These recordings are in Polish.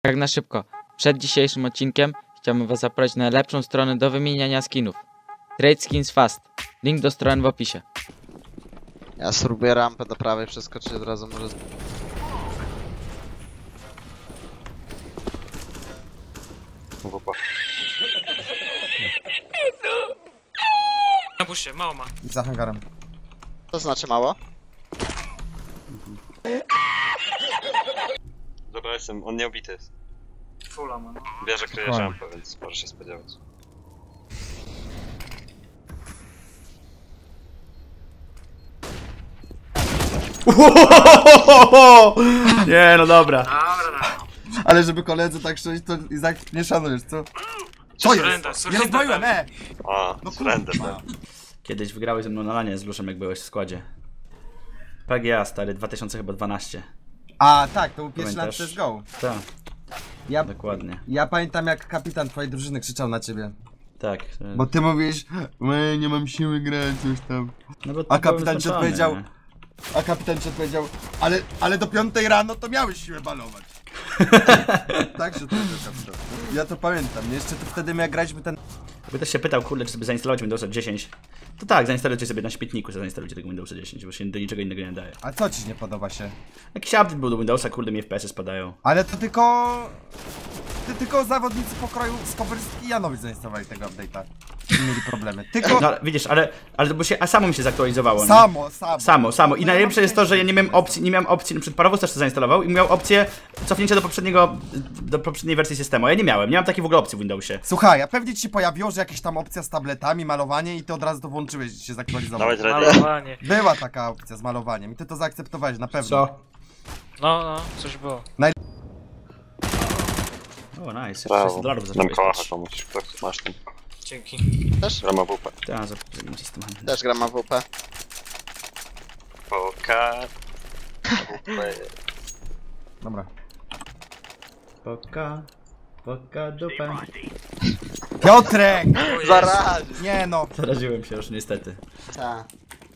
Tak na szybko, przed dzisiejszym odcinkiem chciałbym was zaprosić na lepszą stronę do wymieniania skinów. Trade Skins Fast. Link do strony w opisie. Ja spróbuję rampę do prawej przeskoczyć od razu może. Na busie, mało ma. Za hangarem. To znaczy mało? Dobra, jestem, on nie obity jest. Fulla ma, no. Bierze kryje rampę, więc może się spodziewać. Nie, no dobra. Dobra, Ale żeby koledzy tak szczęść, to Izak nie szanujesz, co? Co jest? surrender, Nie surrender. rozbroiłem, A, No surrender, kurwa. Kiedyś wygrałeś ze mną na lanie z Luszem, jak byłeś w składzie. PGA, stary, 2012. A tak, to był pierwszy lat Pamiętasz? CSGO. Tak, Ja, dokładnie. ja pamiętam jak kapitan twojej drużyny krzyczał na ciebie. Tak. Bo ty mówisz, nie mam siły grać, coś tam. No bo A to kapitan było ci wyznaczone, odpowiedział, nie? A kapitan ci odpowiedział, ale do 5 rano to miałeś siłę balować. Tak, że to był kapitan. Ja to pamiętam, jeszcze to wtedy jak graliśmy ten... By też się pytał, kurde, czy sobie zainstalować Windowsa 10. To tak, zainstalujcie sobie na śmietniku, zainstalujcie tego Windowsa 10, bo się do niczego innego nie daje. A co ci nie podoba się? Jakiś update był do Windowsa, kurde, mi FPS-y spadają. Ale to tylko... Tylko zawodnicy pokroju Skowerski i Janowicz zainstalowali tego update'a. I mieli problemy. Tylko... No widzisz, ale to bo się, a samo mi się zaktualizowało. nie? Samo. I najlepsze jest to, że ja nie miałem opcji, przed Parowóz też to zainstalował i miał opcję cofnięcia do poprzedniej wersji systemu. A ja nie mam takiej w ogóle opcji w Windowsie. Słuchaj, a pewnie ci się pojawiło, że jakaś tam opcja z tabletami, malowanie i ty od razu to włączyłeś i się zaktualizowało. Dawaj ready. Malowanie. Była taka opcja z malowaniem i ty to zaakceptowałeś na pewno. Co? No, coś było. O, nice, Brawo. $600 Dam zacząłeś kołacha dać. komuś, kto masz ten. Dzięki. Też? Rama WP. Tak, za system. Też gram AWP. Poka. WP. Dobra. Poka dupę. Piotrek! O Jezu. Zaraz! Nie no. Zaraziłem się już niestety. Ta.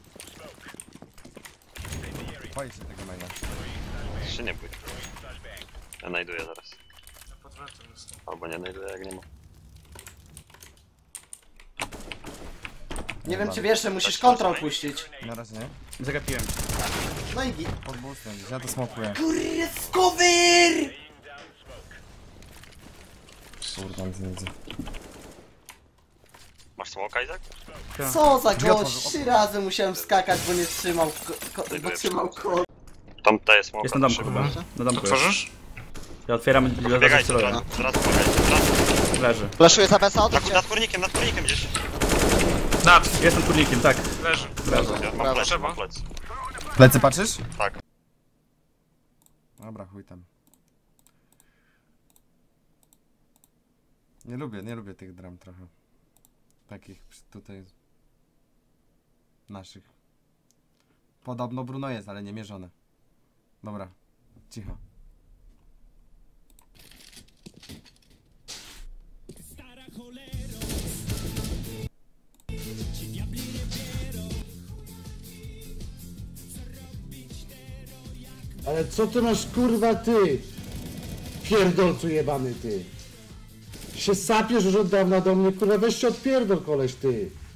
Boję się tego maila. Się nie bój. Ja znajduję zaraz. Pod wrotem jestem. Albo nie znajduję, jak nie ma. Nie wiem czy wiesz, że musisz kontrol puścić. Na razie nie. Zagapiłem. No i git. Pod boostem, ja to smokuję. Cover! Kurwa, nic nie widzę. Masz smoka, Izak? Co za Drzwi gość, otworzę. 3 razy musiałem skakać, bo nie trzymał, bo trzymał kod. Tam daje smoka. Jest na domku szybko. chyba. Na domku jest. Otworzysz? Ja otwieram i Biegajcie, celuję. zaraz pobiegajcie. Leży. Flaszuję za BS-a, odwróć się. Nad kurnikiem gdzieś. Nad, Jestem turnikiem, tak. leży. Ja mam Brawo. plecy, mam plecy. Plecy patrzysz? Tak. Dobra, chuj tam. Nie lubię tych dram trochę. Takich tutaj... Naszych. Podobno Bruno jest, ale nie mierzone. Dobra, cicho. Ale co ty masz kurwa ty? Pierdolcu jebany ty. Się sapiesz już od dawna do mnie, kurwa weź się odpierdol koleś ty.